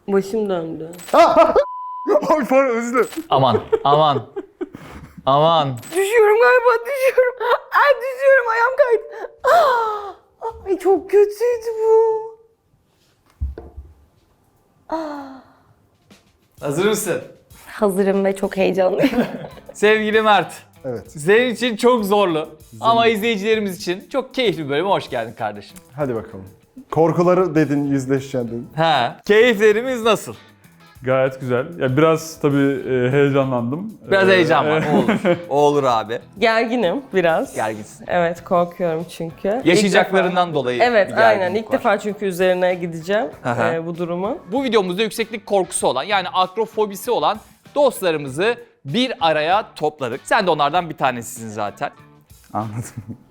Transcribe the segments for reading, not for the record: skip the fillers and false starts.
Başım döndü. Ay pardon, özür dilerim. Aman, aman. Aman. Düşüyorum galiba, düşüyorum. Ay düşüyorum, ayağım kaydı. Ay çok kötüydü bu. Hazır mısın? Hazırım ve çok heyecanlıyım. Sevgili Mert. Evet. Senin için çok zorlu ama izleyicilerimiz için çok keyifli bir bölüme hoş geldin kardeşim. Hadi bakalım. Korkuları dedin, yüzleşeceksin dedin. He. Keyiflerimiz nasıl? Gayet güzel. Ya biraz tabii heyecanlandım. Biraz heyecan var. O olur. O olur abi. Gerginim biraz. Gerginsin. Evet, korkuyorum çünkü. Yaşayacaklarından dolayı Evet, bir aynen. gerginlik İlk var. defa çünkü üzerine gideceğim Aha. bu durumu. Bu videomuzda yükseklik korkusu olan yani akrofobisi olan dostlarımızı bir araya topladık. Sen de onlardan bir tanesisin zaten. Anladım.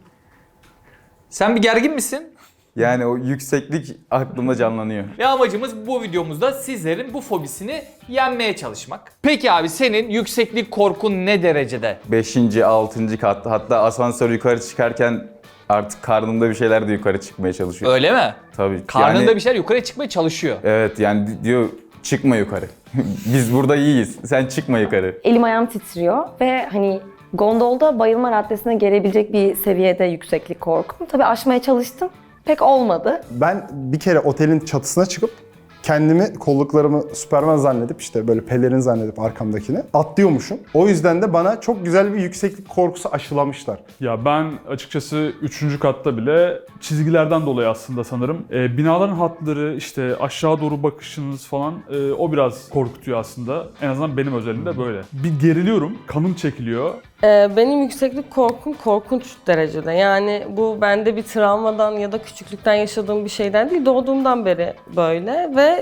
Sen bir gergin misin? Yani o yükseklik aklımda canlanıyor. Ve amacımız bu videomuzda sizlerin bu fobisini yenmeye çalışmak. Peki abi senin yükseklik korkun ne derecede? 5. 6. katta, hatta asansör yukarı çıkarken artık karnımda bir şeyler de yukarı çıkmaya çalışıyor. Öyle mi? Tabii. Karnında yani, bir şeyler yukarı çıkmaya çalışıyor. Evet yani diyor çıkma yukarı. Biz burada iyiyiz. Sen çıkma yukarı. Elim ayağım titriyor ve hani gondolda bayılma raddesine gelebilecek bir seviyede yükseklik korkum. Tabii aşmaya çalıştım. Pek olmadı. Ben bir kere otelin çatısına çıkıp kendimi, kolluklarımı Süperman zannedip, işte böyle pelerin zannedip arkamdakini atlıyormuşum. O yüzden de bana çok güzel bir yükseklik korkusu aşılamışlar. Ya ben açıkçası 3. katta bile çizgilerden dolayı aslında sanırım. Binaların hatları, işte aşağı doğru bakışınız falan o biraz korkutuyor aslında. En azından benim özelimde böyle. Bir geriliyorum, kanım çekiliyor. Benim yükseklik korkum korkunç derecede. Yani bu bende bir travmadan ya da küçüklükten yaşadığım bir şeyden değil, doğduğumdan beri böyle ve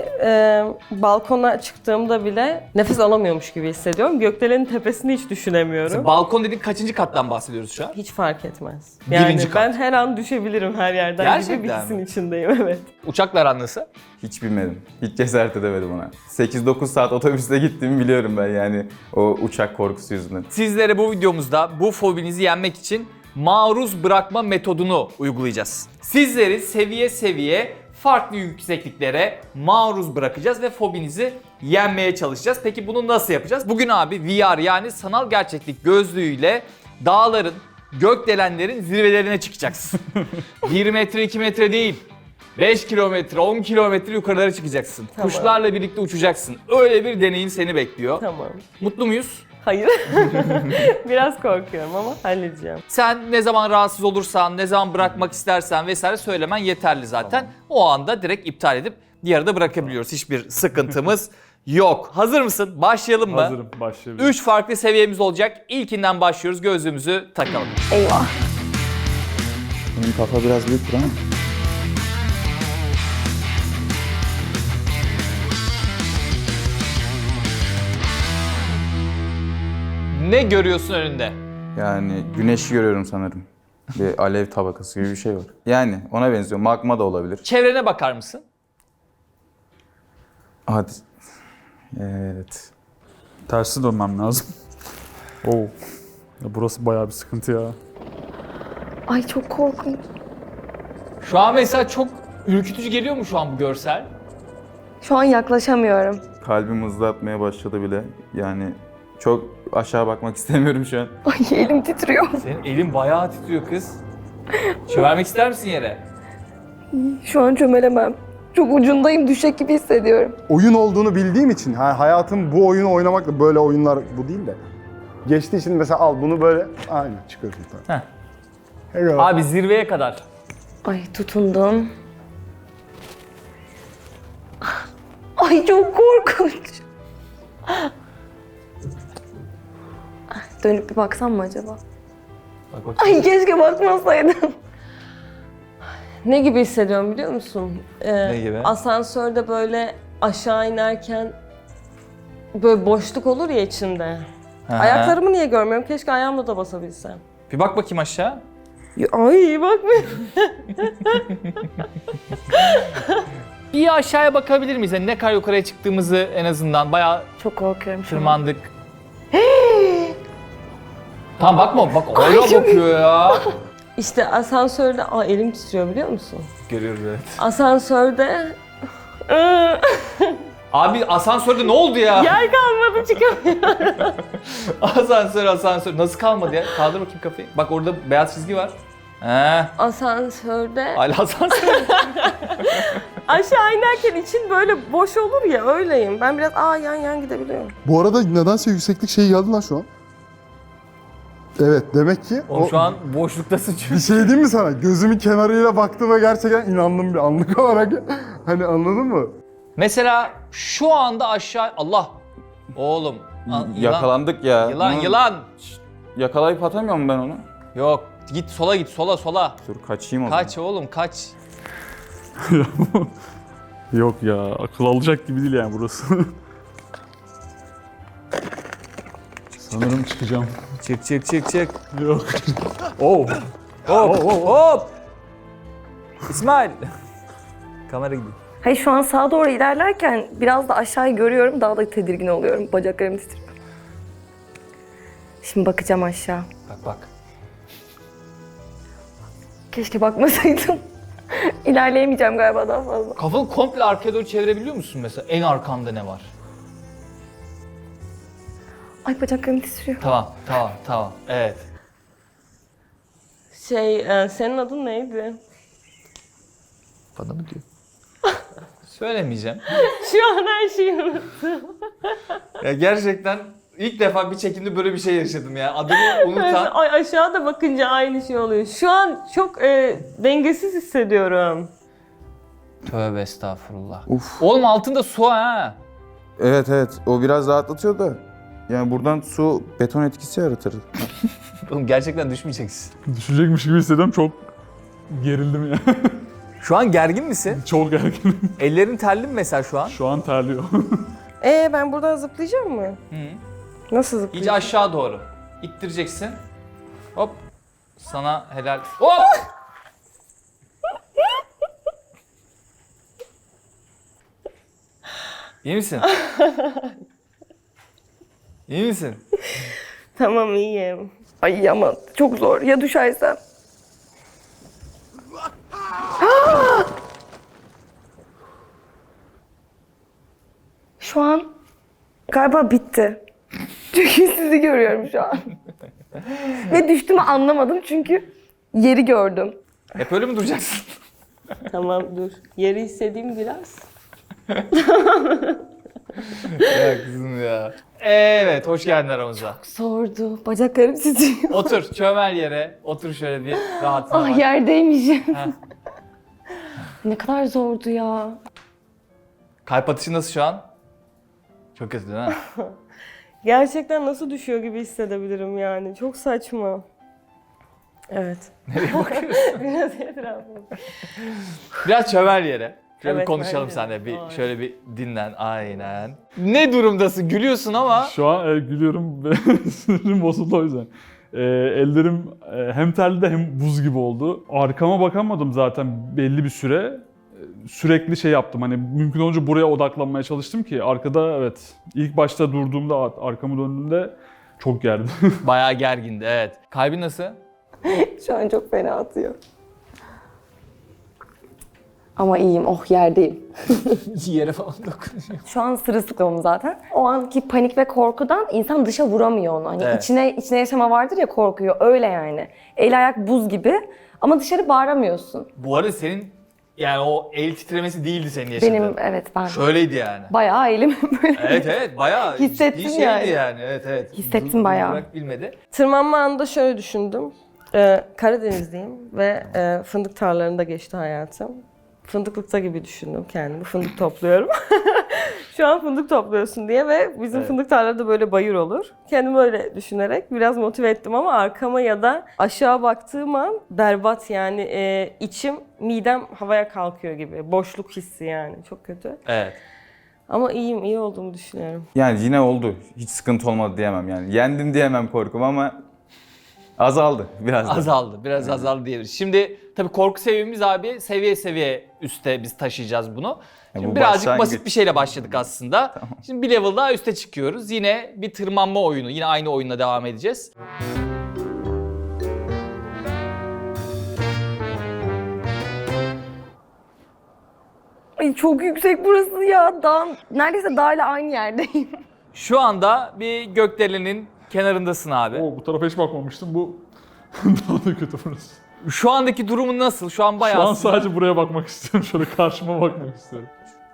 balkona çıktığımda bile nefes alamıyormuş gibi hissediyorum. Gökdelenin tepesini hiç düşünemiyorum. Balkon dediğin kaçıncı kattan bahsediyoruz şu an? Hiç fark etmez. Birinci Yani kat. ben her an düşebilirim her yerden Gerçekten gibi bir hissin mi? içindeyim, evet. Uçakla aran nasıl? Hiç bilmedim. Hiç cesaret edemedim ona. 8-9 saat otobüste gittiğimi biliyorum ben yani o uçak korkusu yüzünden. Sizlere bu videomuzda bu fobinizi yenmek için maruz bırakma metodunu uygulayacağız. Sizleri seviye seviye farklı yüksekliklere maruz bırakacağız ve fobinizi yenmeye çalışacağız. Peki bunu nasıl yapacağız? Bugün abi VR yani sanal gerçeklik gözlüğüyle dağların, gökdelenlerin zirvelerine çıkacaksın. 1 metre 2 metre değil. 5 kilometre, 10 kilometre yukarılara çıkacaksın. Tamam. Kuşlarla birlikte uçacaksın. Öyle bir deneyim seni bekliyor. Tamam. Mutlu muyuz? Hayır. Biraz korkuyorum ama halledeceğim. Sen ne zaman rahatsız olursan, ne zaman bırakmak istersen vesaire söylemen yeterli zaten. O anda direkt iptal edip yarıda bırakabiliyoruz. Hiçbir sıkıntımız yok. Hazır mısın? Başlayalım mı? Hazırım, başlayabilirim. 3 farklı seviyemiz olacak. İlkinden başlıyoruz. Gözlüğümüzü takalım. Eyvah. Benim kafa biraz büyük ama. Ne görüyorsun önünde? Yani güneşi görüyorum sanırım. Bir alev tabakası gibi bir şey var. Yani ona benziyor. Magma da olabilir. Çevrene bakar mısın? Hadi. Evet. Tersi dönmem lazım. Oo. Ya burası bayağı bir sıkıntı ya. Ay çok korkunç. Şu an mesela çok ürkütücü geliyor mu şu an bu görsel? Şu an yaklaşamıyorum. Kalbim hızlı atmaya başladı bile. Yani çok aşağı bakmak istemiyorum şu an. Ay elim titriyor. Senin elin bayağı titriyor kız. Çömelmek ister misin yere? Şu an çömelemem. Çok ucundayım, düşecek gibi hissediyorum. Oyun olduğunu bildiğim için, hayatım bu oyunu oynamakla, böyle oyunlar bu değil de. Geçtiği için mesela al bunu böyle, aynen çıkıyorsun tamam. Heh. Hello. Abi zirveye kadar. Ay tutundum. Ay çok korkunç. Dönüp bir baksam mı acaba? Bak bak. Ay keşke bakmasaydım. Ne gibi hissediyorum biliyor musun? Ne gibi? Asansörde böyle aşağı inerken böyle boşluk olur ya içinde. Hı hı. Ayaklarımı niye görmüyorum? Keşke ayağımla da basabilsem. Bir bak bakayım aşağı. Ay bak be. Bir aşağıya bakabilir miyiz? Yani ne kadar yukarıya çıktığımızı en azından bayağı Çok korkuyorum şu an. tırmandık. Tamam bakma bak öyle bakıyor ya. İşte asansörde, elim titriyor biliyor musun? Görüyoruz evet. Asansörde Abi asansörde ne oldu ya? Yer kalmadı, çıkamıyorum. Asansör. Nasıl kalmadı ya? Kaldır bakayım kafayı. Bak orada beyaz çizgi var. He. Asansörde Hala asansör. aşağı inerken için böyle boş olur ya, öyleyim. Ben biraz yan gidebiliyorum. Bu arada nedense yükseklik şey geldi lan şu an. Evet, demek ki Oğlum şu an boşluktasın çünkü. bir şey diyeyim mi sana? Gözümün kenarıyla baktığıma gerçekten inandım bir anlık olarak. Hani anladın mı? Mesela şu anda aşağı... Allah! Oğlum. Yakalandık ya. Yılan. Yakalayıp atamıyorum ben onu. Yok. Git sola. Dur kaçayım o zaman. Kaç oğlum kaç. Yok ya, akıl alacak gibi değil yani burası. Sanırım çıkacağım. Çık. Yok. Oh. Hop. İsmail. Kamera gidiyor. Hayır, şu an sağa doğru ilerlerken biraz da aşağıyı görüyorum, daha da tedirgin oluyorum. Bacaklarım titriyor. Şimdi bakacağım aşağı. Bak. Keşke bakmasaydım. İlerleyemeyeceğim galiba daha fazla. Kafanı komple arkaya doğru çevirebiliyor musun mesela? En arkanda ne var? Ay, bacaklarım titriyor. Tamam. Evet. Senin adın neydi? Bana mı diyor? Söylemeyeceğim. Şu an her şeyi unuttum. Ya gerçekten ilk defa bir çekimde böyle bir şey yaşadım ya. Adımı unutan. Ay, aşağıda bakınca aynı şey oluyor. Şu an çok dengesiz hissediyorum. Tövbe estağfurullah. Uf. Oğlum altında su ha. Evet o biraz rahatlatıyor da. Yani buradan su beton etkisi yaratır. Oğlum gerçekten düşmeyeceksin. Düşecekmiş gibi hissediyorum, çok gerildim ya. Şu an gergin misin? Çok gerginim. Ellerin terli mi mesela şu an? Şu an terliyor. Ben buradan zıplayacağım mı? Hı. Nasıl İyice zıplayacağım? aşağı doğru. İttireceksin. Hop. Sana helal. Hop! İyi misin? İyi misin? Tamam, iyiyim. Ay ama çok zor. Ya düşersem? Şu an galiba bitti. Çünkü sizi görüyorum şu an. Ve düştüğümü anlamadım çünkü yeri gördüm. Hep öyle mi duracaksın? Tamam, dur. Yeri hissedeyim biraz. Ya kızım ya. Evet, hoş geldin aramıza. Zordu. Bacaklarım titriyor. Otur, çömel yere. Otur şöyle bir rahatına Ah, bak. yerdeymişim. Heh. Ne kadar zordu ya. Kalp atışı nasıl şu an? Çok kötü değil mi? Gerçekten nasıl düşüyor gibi hissedebilirim yani. Çok saçma. Evet. Nereye bakıyorsun? Biraz etrafım. Biraz çömel yere. Şöyle bir Evet, konuşalım bence de. seninle. Bir Aynen. şöyle bir dinlen. Aynen. Ne durumdasın? Gülüyorsun ama. Şu an gülüyorum ve sinirim bozuldu o yüzden. Ellerim hem terli de hem buz gibi oldu. Arkama bakamadım zaten belli bir süre. Sürekli şey yaptım, hani mümkün olunca buraya odaklanmaya çalıştım ki arkada, evet, ilk başta durduğumda, arkamı döndüğümde çok gerdi. Bayağı gergindi, evet. Kalbin nasıl? Şu an çok fena atıyor. Ama iyiyim. Oh, yerdeyim. Yere falan dokunuyor. Şu an sırılsıklamım zaten. O anki panik ve korkudan insan dışa vuramıyor onu. Hani Evet. içine yaşama vardır ya, korkuyor. Öyle yani. El ayak buz gibi ama dışarı bağıramıyorsun. Bu arada senin yani o el titremesi değildi senin yaşadığın. Benim ben Şöyleydi yani. bayağı elim böyle. Evet bayağı Hissettim ciddi şeydi yani. Evet. Hissettim bayağı. Durdurarak bilmedi. Tırmanma anında şöyle düşündüm. Karadenizliyim ve fındık tarlalarında geçti hayatım. Fındıklıkta gibi düşündüm kendimi. Fındık topluyorum. Şu an fındık topluyorsun diye ve bizim Evet. fındık tarlaları böyle bayır olur. Kendimi öyle düşünerek biraz motive ettim ama arkama ya da aşağı baktığım an berbat yani içim, midem havaya kalkıyor gibi. Boşluk hissi yani, çok kötü. Evet. Ama iyi olduğumu düşünüyorum. Yani yine oldu. Hiç sıkıntı olmadı diyemem yani. Yendim diyemem korkum ama azaldı biraz da. Azaldı. Biraz azaldı diyebiliriz. Şimdi tabii korku seviyemiz abi seviye seviye üste biz taşıyacağız bunu. Şimdi bu birazcık başlangıç. basit bir şeyle başladık aslında. Şimdi bir level daha üste çıkıyoruz. Yine bir tırmanma oyunu. Yine aynı oyunla devam edeceğiz. Ay çok yüksek burası ya. Neredeyse dağla aynı yerdeyim. Şu anda bir gökdelenin kenarındasın abi. Oo, bu tarafa hiç bakmamıştım. Bu daha da kötü burası. Şu andaki durumun nasıl? Şu an bayağı Şu an aslında- sadece buraya bakmak istiyorum. Şöyle karşıma bakmak istiyorum.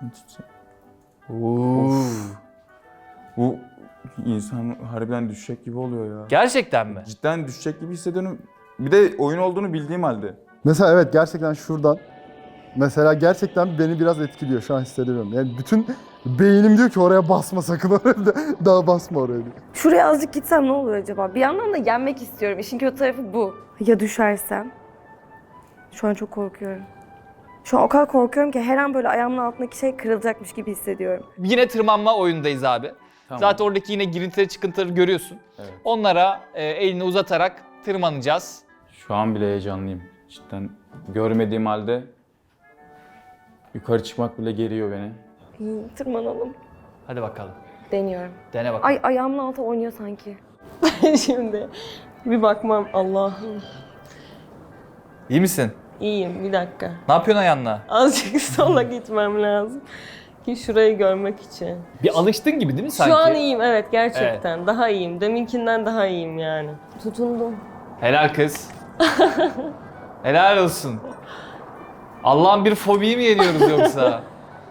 Of. Bu insan harbiden düşecek gibi oluyor ya. Gerçekten mi? Cidden düşecek gibi hissediyorum. Bir de oyun olduğunu bildiğim halde. Mesela evet gerçekten şuradan. Mesela gerçekten beni biraz etkiliyor şu an hissediyorum. Yani bütün beynim diyor ki oraya basma sakın oraya daha basma oraya diyor. Şuraya azıcık gitsem ne olur acaba? Bir yandan da yenmek istiyorum. İşin kötü tarafı bu. Ya düşersem? Şu an çok korkuyorum. Şu an o kadar korkuyorum ki her an böyle ayağımın altındaki şey kırılacakmış gibi hissediyorum. Yine tırmanma oyundayız abi. Tamam. Zaten oradaki yine girintileri çıkıntıları görüyorsun. Evet. Onlara elini uzatarak tırmanacağız. Şu an bile heyecanlıyım. Cidden görmediğim halde yukarı çıkmak bile geriyor beni. Tırmanalım. Hadi bakalım. Deniyorum. Dene bakalım. Ay ayağımın altı oynuyor sanki. Şimdi bir bakmam Allah'ım. İyi misin? İyiyim bir dakika. Ne yapıyorsun ayağınla? Azıcık sola gitmem lazım. Ki şurayı görmek için. Bir alıştın gibi değil mi sanki? Şu an iyiyim evet gerçekten. Daha iyiyim. Deminkinden daha iyiyim yani. Tutundum. Helal kız. Helal olsun. Allah'ın bir fobiyi mi yeniyoruz yoksa?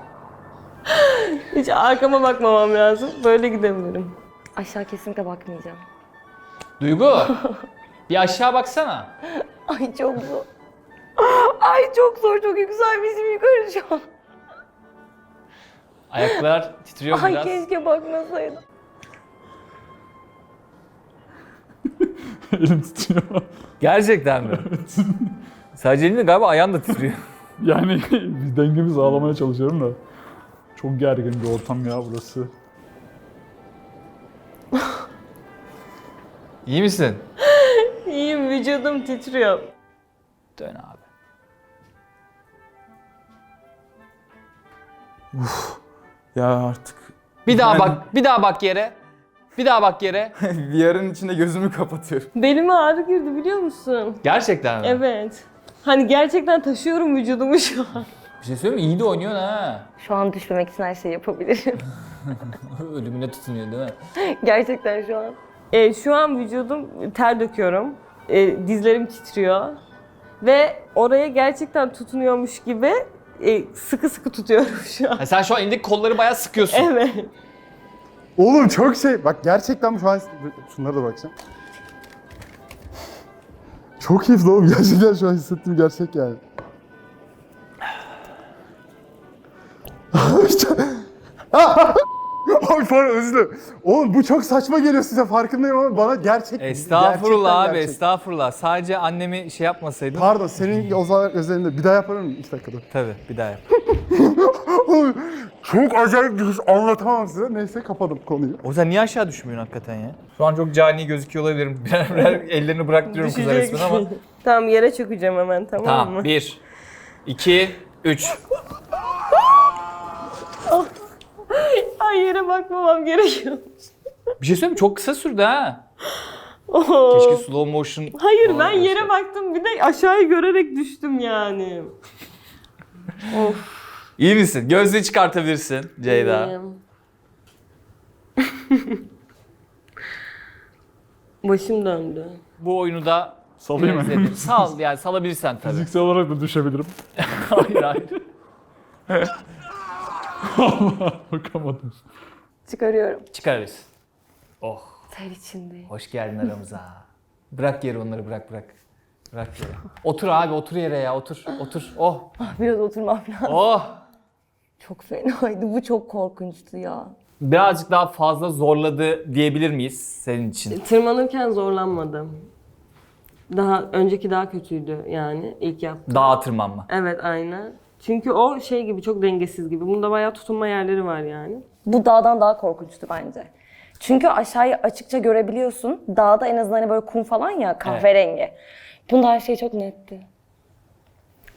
Hiç arkama bakmamam lazım. Böyle gidebilirim. Aşağı kesinlikle bakmayacağım. Duygu, bir aşağı baksana. Ay çok zor. Ay çok zor, çok yükselmişim yukarı şu an. Ayaklar titriyor Ay biraz. keşke bakmasaydım. Elim titriyor. Gerçekten mi? Sadece elinde galiba ayağın da titriyor. Yani bir dengemi sağlamaya çalışıyorum da. Çok gergin bir ortam ya burası. İyi misin? İyiyim vücudum titriyor. Dön abi. Ya artık Bir daha bak, bir daha bak yere. Bir daha bak yere. VR'ın içinde gözümü kapatıyorum. Belime ağrı girdi biliyor musun? Gerçekten mi? Evet. Hani gerçekten taşıyorum vücudumu şu an. Bir şey söyleyeyim mi? İyi de oynuyorsun ha. Şu an düşmemek için her şeyi yapabilirim. Ölümüne tutunuyor değil mi? Gerçekten şu an. Şu an vücudum ter döküyorum. Dizlerim titriyor. Ve oraya gerçekten tutunuyormuş gibi sıkı sıkı tutuyorum şu an. Ha, sen şu an elindeki kolları bayağı sıkıyorsun. Evet. Oğlum çok şey bak gerçekten şu an şunlara da bakacağım. Çok keyifli oğlum gerçekten şu an hissettiğim gerçek yani. Ay pardon özür dilerim. Oğlum bu çok saçma geliyor size farkındayım ama bana Estağfurullah gerçekten abi, gerçek. estağfurullah. Sadece annemi şey yapmasaydın. Pardon senin o zaman özelinde bir daha yapar mısın? 2 dakikada. Tabii, bir daha yap. Oğlum, çok acayip bir his anlatamam size. Neyse kapadım konuyu. O yüzden niye aşağı düşmüyorsun hakikaten ya? Şu an çok cani gözüküyor olabilirim. Birer ellerini bıraktırıyorum kıza Düşecek. resmen ama. Tamam yere çökeceğim hemen tamam Tamam, mı? 1, 2, 3. Ay yere bakmamam gerekiyor. Bir şey söyleyeyim mi? Çok kısa sürdü ha. Oo. Keşke slow motion Hayır falan ben yere olsa. baktım bir de aşağıyı görerek düştüm yani. Of. İyi misin? Gözlüğü çıkartabilirsin Ceyda. iyiyim. Başım döndü. Bu oyunu da Salayım mı? izledim. Sal yani salabilirsen tabii. Fiziksel olarak da düşebilirim. Hayır hayır. Bakamadım. Çıkarıyorum. Çıkarırız. Oh, Ter içindeyim. hoş geldin aramıza. Bırak yere onları bırak. Bırak yere. Otur abi otur yere ya otur. Oh. Biraz oturmam lazım. Oh. Çok fenaydı. Bu çok korkunçtu ya. Birazcık daha fazla zorladı diyebilir miyiz senin için? Tırmanırken zorlanmadım. Önceki daha kötüydü yani ilk yaptığım. Dağa tırmanma. Evet aynen. Çünkü o şey gibi çok dengesiz gibi. Bunda bayağı tutunma yerleri var yani. Bu dağdan daha korkunçtu bence. Çünkü aşağıyı açıkça görebiliyorsun. Dağda en azından hani böyle kum falan ya kahverengi. Bunda her şey çok netti.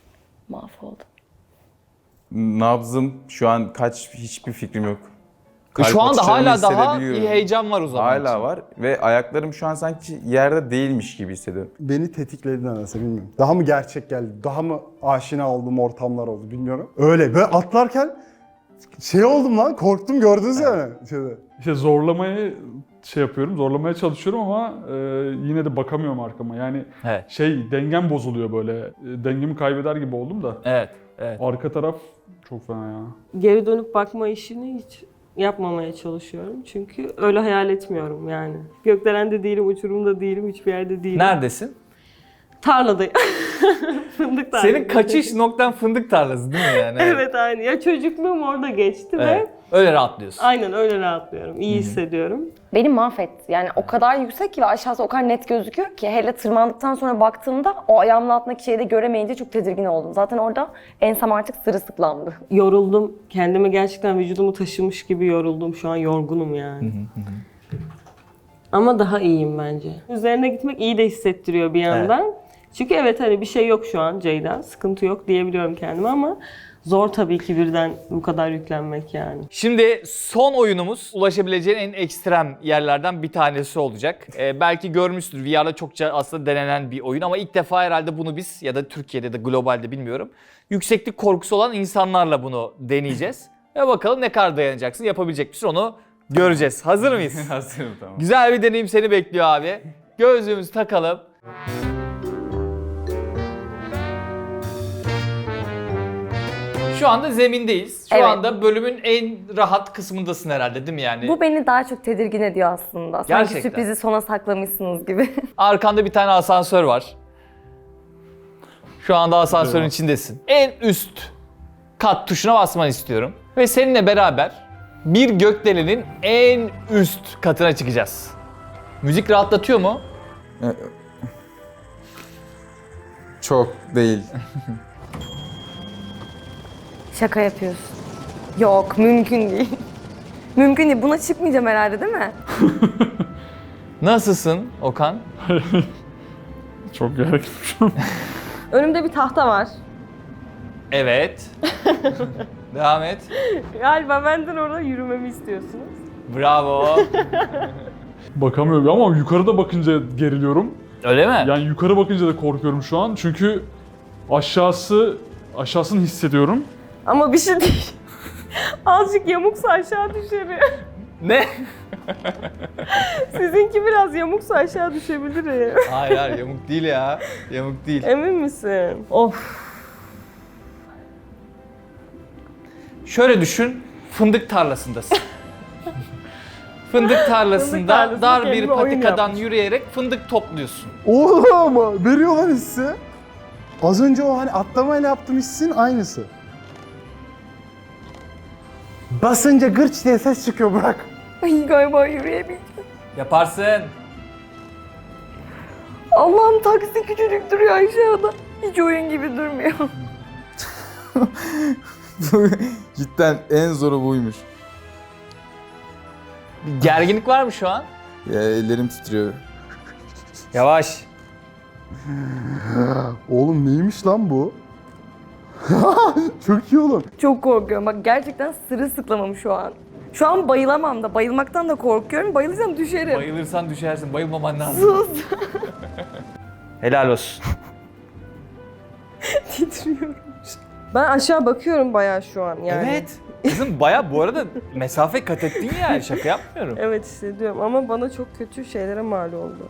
Mahvoldum. Nabzım şu an kaç hiçbir fikrim yok. Kalp Şu anda atışlarımı hala daha hissedebiliyorum. bir heyecan var o zaman. Hala var ve ayaklarım şu an sanki yerde değilmiş gibi hissediyorum. Beni tetikledi nedense bilmiyorum. Daha mı gerçek geldi, daha mı aşina olduğum ortamlar oldu bilmiyorum. Öyle böyle atlarken şey oldum lan, korktum gördünüz yani. Şeyde. İşte zorlamayı şey yapıyorum, zorlamaya çalışıyorum ama yine de bakamıyorum arkama. Yani Evet. dengem bozuluyor böyle. Dengemi kaybeder gibi oldum da. Evet. Evet. Arka taraf çok fena ya. Geri dönüp bakma işini hiç yapmamaya çalışıyorum. Çünkü öyle hayal etmiyorum yani. Gökdelende değilim, uçurumda değilim, hiçbir yerde değilim. Neredesin? Tarladayım. Fındık tarlası. Senin kaçış noktan fındık tarlası değil mi yani? Evet aynı. Ya çocukluğum orada geçti Evet. ve Öyle rahatlıyorsun. aynen öyle rahatlıyorum. İyi hissediyorum. Beni mahvetti. Yani o kadar yüksek ki ve aşağısı o kadar net gözüküyor ki hele tırmandıktan sonra baktığımda o ayağımın altındaki şeyi de göremeyince çok tedirgin oldum. Zaten orada ensem artık sırılsıklamdı. Yoruldum. Kendimi gerçekten vücudumu taşımış gibi yoruldum. Şu an yorgunum yani. Ama daha iyiyim bence. Üzerine gitmek iyi de hissettiriyor bir yandan. Çünkü evet hani bir şey yok şu an Ceyda. Sıkıntı yok diyebiliyorum kendime ama zor tabii ki birden bu kadar yüklenmek yani. Şimdi son oyunumuz ulaşabileceğin en ekstrem yerlerden bir tanesi olacak. Belki görmüşsündür. VR'da çokça aslında denenen bir oyun ama ilk defa herhalde bunu biz ya da Türkiye'de de globalde bilmiyorum. Yükseklik korkusu olan insanlarla bunu deneyeceğiz. Ve bakalım ne kadar dayanacaksın, yapabilecek misin onu göreceğiz. Hazır mıyız? Hazırım tamam. Güzel bir deneyim seni bekliyor abi. Gözlüğümüzü takalım. Şu anda zemindeyiz. Şu Evet. anda bölümün en rahat kısmındasın herhalde değil mi yani? Bu beni daha çok tedirgin ediyor aslında. Sanki Gerçekten. sürprizi sona saklamışsınız gibi. Arkanda bir tane asansör var. Şu anda asansörün Evet. içindesin. En üst kat tuşuna basmanı istiyorum. Ve seninle beraber bir gökdelenin en üst katına çıkacağız. Müzik rahatlatıyor mu? Çok değil. Şaka yapıyorsun. Yok, mümkün değil. Mümkün değil. Buna çıkmayacağım herhalde değil mi? Nasılsın Okan? Çok gerginim. Önümde bir tahta var. Evet. Devam et. Galiba benden orada yürümemi istiyorsunuz. Bravo. Bakamıyorum ama yukarıda bakınca geriliyorum. Öyle mi? Yani yukarı bakınca da korkuyorum şu an. Çünkü aşağısını hissediyorum. Ama bir şey değil. Azıcık yamuksa aşağı düşerim. Ne? Sizinki biraz yamuksa aşağı düşebilirim. Hayır hayır yamuk değil ya. Yamuk değil. Emin misin? Of. Şöyle düşün, fındık tarlasındasın. Fındık tarlasında tarlasında dar bir kendime oyun patikadan yapmış. yürüyerek fındık topluyorsun. Oğlum ama veriyor lan hissi. Az önce o hani atlamayla yaptığım hissin aynısı. Basınca gırç diye ses çıkıyor bırak. Ay galiba yürüyemeyeceğim. Yaparsın. Allah'ım taksi küçücük duruyor aşağıda. Hiç oyun gibi durmuyor. Cidden en zoru buymuş. Bir gerginlik var mı şu an? Ya ellerim titriyor. Yavaş. Oğlum neymiş lan bu? Çok iyi oğlum. Çok korkuyorum. Bak gerçekten sırılsıklamam şu an. Şu an bayılamam da. Bayılmaktan da korkuyorum. Bayılırsam düşerim. Bayılırsan düşersin, bayılmaman lazım. Sus. Helal olsun. Titriyorum. Ben aşağı bakıyorum bayağı şu an yani. Evet. Kızım baya bu arada mesafe kat ettin ya, şaka yapmıyorum. Evet hissediyorum ama bana çok kötü şeylere mal oldu.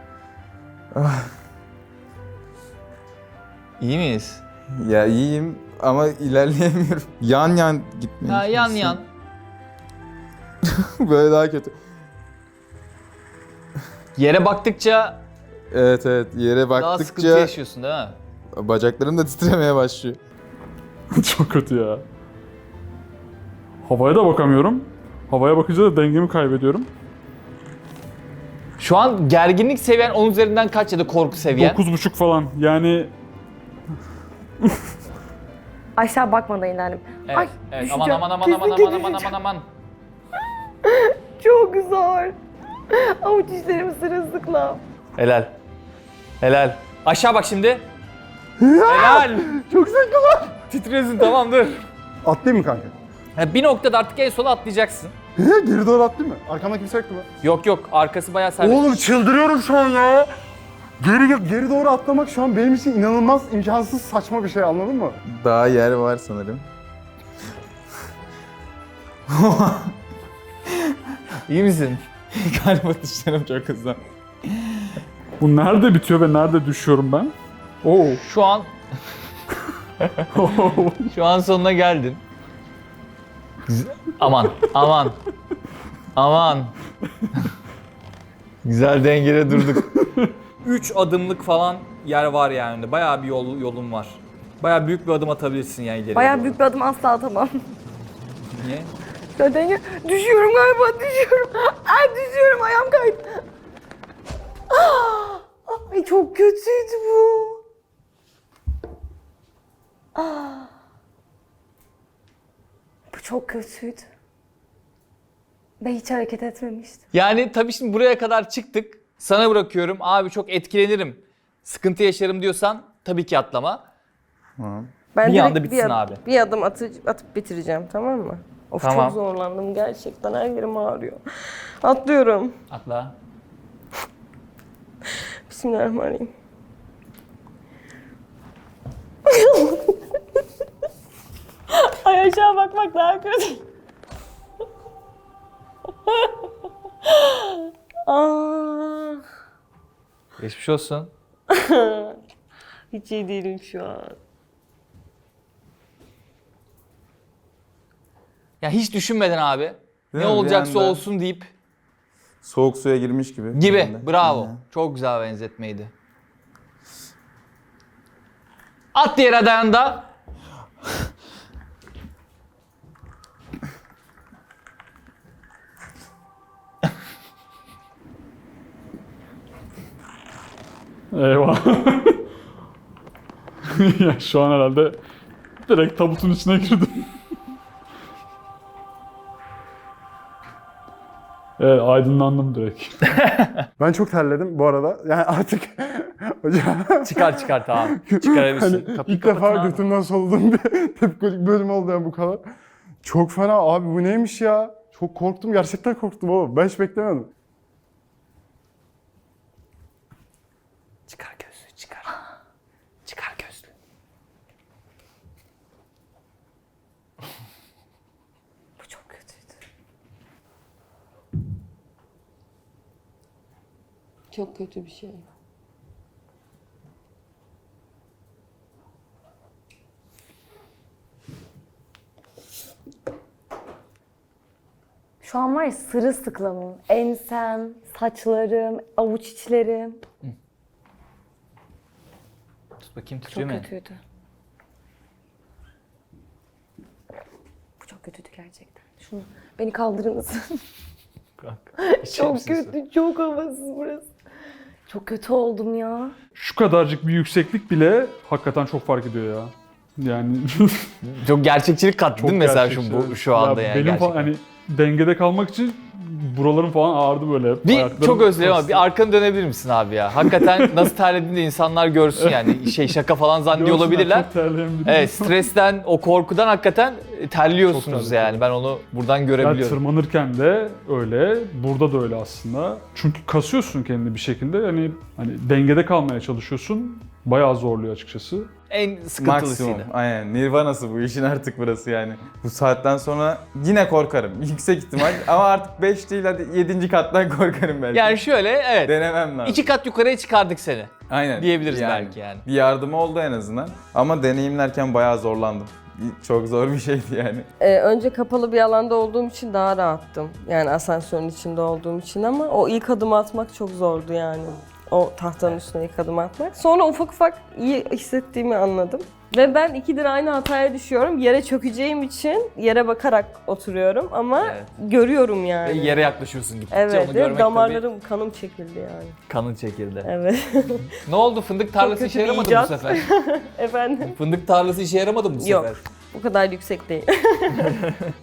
İyi miyiz? Ya iyiyim ama ilerleyemiyorum. Yan yan gitmeye Ha, yan çalışıyorum. yan. Böyle daha kötü. Yere baktıkça Evet yere daha sıkıntı baktıkça yaşıyorsun değil mi? bacaklarım da titremeye başlıyor. Çok kötü ya. Havaya da bakamıyorum. Havaya bakınca da dengemi kaybediyorum. Şu an gerginlik seviyen 10 üzerinden kaç ya da korku seviyen? 9,5 falan. Yani Aşağı bakmadan ilerledim. Evet, Ay evet. Aman düşeceğim. aman aman Kesin aman ki aman aman düşeceğim. aman aman. Çok zor. Avuç içlerim sırılsıklam. Helal. Helal. Aşağı bak şimdi. Helal. Çok zevkli lan. Titriyorsun tamam dur. Atlayayım mı kanka? Yani bir noktada artık en sola atlayacaksın. Geri doğru atlayayım mı? Arkamda kimse yoktu mu? Yok arkası bayağı serbest. Oğlum çıldırıyorum şu an ya. Geri doğru atlamak şu an benim için inanılmaz imkansız saçma bir şey, anladın mı? Daha yer var sanırım. İyi misin? Galiba dışlarım çok hızlı. Bu nerede bitiyor ve nerede düşüyorum ben? Oo. Şu an sonuna geldin. Aman. Güzel dengede durduk. 3 adımlık falan yer var yani. Bayağı bir yolun var. Bayağı büyük bir adım atabilirsin yani ileriye. Bayağı doğru. büyük bir adım asla atamam. Niye? Neden? Düşüyorum galiba, düşüyorum. Ay düşüyorum, ayağım kaydı. Ay çok kötüydü bu. Bu çok kötüydü. Ben hiç hareket etmemiştim. Yani tabii şimdi buraya kadar çıktık. Sana bırakıyorum. Abi çok etkilenirim. Sıkıntı yaşarım diyorsan tabii ki atlama. Ben Bir direkt anda bitsin abi. Bir adım atıp bitireceğim, tamam mı? Of Tamam. çok zorlandım gerçekten, her yerim ağrıyor. Atlıyorum. Atla. Bismillahirrahmanirrahim. Ay aşağı bakmak daha kötü. Ah, Geçmiş olsun. hiç iyi değilim şu an. Ya hiç düşünmeden abi. Değil Ne mi? Bir olacaksa anda olsun deyip Soğuk suya girmiş gibi. gibi. Bir anda. Bravo. Aynen. Çok güzel benzetmeydi. At diğer adayında. Eyvah. Ya şu an herhalde direkt tabutun içine girdim. Evet, aydınlandım direkt. Ben çok terledim bu arada. Yani artık hocam Çıkar tamam. Çıkarabilirsin. hani Kapıyı ilk defa kapatın abi. götümden soluduğum bir tepkolik bölüm oldu yani bu kadar. Çok fena abi, bu neymiş ya? Çok korktum, gerçekten korktum oğlum. Ben hiç beklemiyordum. Çıkar gözlüğü çıkar. Çıkar gözlüğü. Bu çok kötüydü. Çok kötü bir şey. Şu an var ya sırılsıklamım. Ensem, saçlarım, avuç içlerim. Tut bakayım Çok tutuyor mu? kötüydü. Bu çok kötüydü gerçekten. Şunu beni kaldırır mısın? Çok kötü, çok havasız burası. Çok kötü oldum ya. Şu kadarcık bir yükseklik bile hakikaten çok fark ediyor ya. Yani Çok gerçekçilik kattı çok değil mi mesela gerçekçi. şu anda yani benim gerçekten. falan hani dengede kalmak için buralarım falan ağrıdı böyle. Bir Ayaklarım çok özledim ama bastı. bir arkanı dönebilir misin abi ya? Hakikaten nasıl terlediğini de insanlar görsün yani. Şaka falan zannediyor Görsünler, olabilirler. çok terleyen biriyim. Evet, stresten, o korkudan hakikaten terliyorsunuz Çok terledim. yani. Ben onu buradan Yani görebiliyorum. tırmanırken de öyle, burada da öyle aslında. Çünkü kasıyorsun kendini bir şekilde. Hani dengede kalmaya çalışıyorsun. Bayağı zorluyor açıkçası. En sıkıntılısıydı. Maksimum. Aynen. Nirvanası bu işin artık burası yani. Bu saatten sonra yine korkarım. Yüksek ihtimal ama artık 5 değil hadi 7. kattan korkarım belki. Yani şöyle evet. Denemem lazım. 2 kat yukarıya çıkardık seni. Aynen. diyebiliriz belki yani. Bir yardımı oldu en azından. Ama deneyimlerken bayağı zorlandım. Çok zor bir şeydi yani. Önce kapalı bir alanda olduğum için daha rahattım. Yani asansörün içinde olduğum için, ama o ilk adımı atmak çok zordu yani. O tahtanın üstüne ilk adımı atmak. Sonra ufak ufak iyi hissettiğimi anladım. Ve ben 2'dir aynı hataya düşüyorum. Yere çökeceğim için yere bakarak oturuyorum ama Evet. görüyorum Ve yani. yere yaklaşıyorsun gittikçe Evet, onu görmek damarlarım, kanım çekildi yani. tabii kanın çekildi. Evet. Ne oldu? Fındık tarlası kötü işe bir yaramadı bu icat. sefer. Efendim? Fındık tarlası işe yaramadı mı bu Yok. sefer? Bu kadar yüksek değil.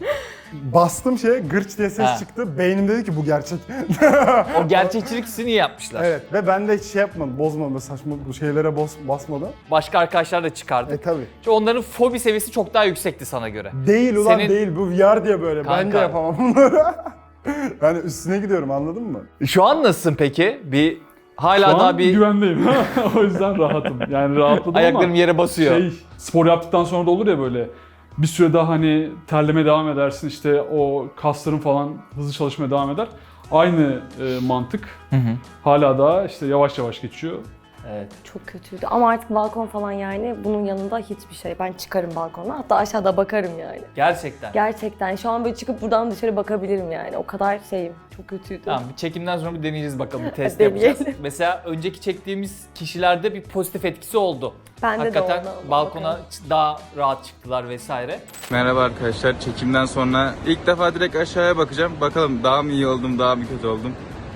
Bastım şeye, gırç diye ses Ha. çıktı. Beynim dedi ki bu gerçek. O gerçekçilik hissini iyi yapmışlar. Evet ve ben de hiç şey yapmadım, bozmadım, saçma bu şeylere basmadım. Başka arkadaşlar da çıkardık. Tabii. Çünkü onların fobi seviyesi çok daha yüksekti sana göre. Değil ulan Senin- değil, bu VR diye böyle. Ben de Kanka. yapamam bunları. Yani üstüne gidiyorum, anladın mı? Şu an nasılsın peki? Hala Şu daha an bir güvendeyim. O yüzden rahatım. Yani rahatladım ayaklarım ama yere basıyor. spor yaptıktan sonra da olur ya böyle bir süre daha hani terlemeye devam edersin, işte o kasların falan hızlı çalışmaya devam eder. Aynı mantık hala daha işte yavaş yavaş geçiyor. Evet. Çok kötüydü ama artık balkon falan yani bunun yanında hiçbir şey. Ben çıkarım balkona, hatta aşağıda bakarım yani. Gerçekten. Gerçekten şu an böyle çıkıp buradan dışarı bakabilirim yani. O kadar şeyim. Çok kötüydü. Tamam, bir çekimden sonra bir deneyeceğiz bakalım, bir test Deneyelim. yapacağız. Mesela önceki çektiğimiz kişilerde bir pozitif etkisi oldu. Bende Hakikaten de oldu ama balkona bakalım. daha rahat çıktılar vesaire. Merhaba arkadaşlar, çekimden sonra ilk defa direkt aşağıya bakacağım. Bakalım daha mı iyi oldum, daha mı kötü oldum.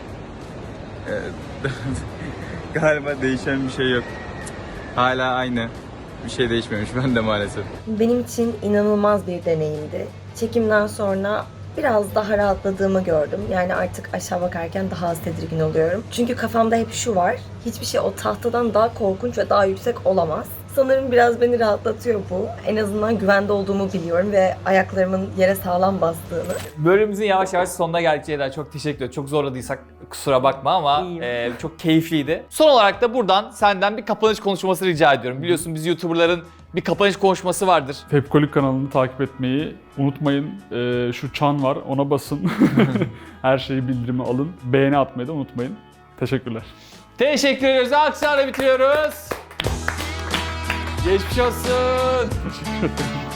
Galiba değişen bir şey yok. Hala aynı. Bir şey değişmemiş bende maalesef. Benim için inanılmaz bir deneyimdi. Çekimden sonra biraz daha rahatladığımı gördüm. Yani artık aşağı bakarken daha az tedirgin oluyorum. Çünkü kafamda hep şu var. Hiçbir şey o tahtadan daha korkunç ve daha yüksek olamaz. Sanırım biraz beni rahatlatıyor bu. En azından güvende olduğumu biliyorum ve ayaklarımın yere sağlam bastığını. Bölümümüzün yavaş yavaş sonuna geldik Ceyda. Çok teşekkür ederim. Çok zorladıysak kusura bakma ama İyiyim. çok keyifliydi. Son olarak da buradan senden bir kapanış konuşması rica ediyorum. Biliyorsun biz YouTuber'ların bir kapanış konuşması vardır. Tepkolik kanalını takip etmeyi unutmayın. Şu çan var, ona basın. Her şeyi bildirimi alın. Beğeni atmayı da unutmayın. Teşekkürler. Teşekkür ediyoruz. Alkışlarla bitiriyoruz. Geçmiş olsun. Teşekkür ederim.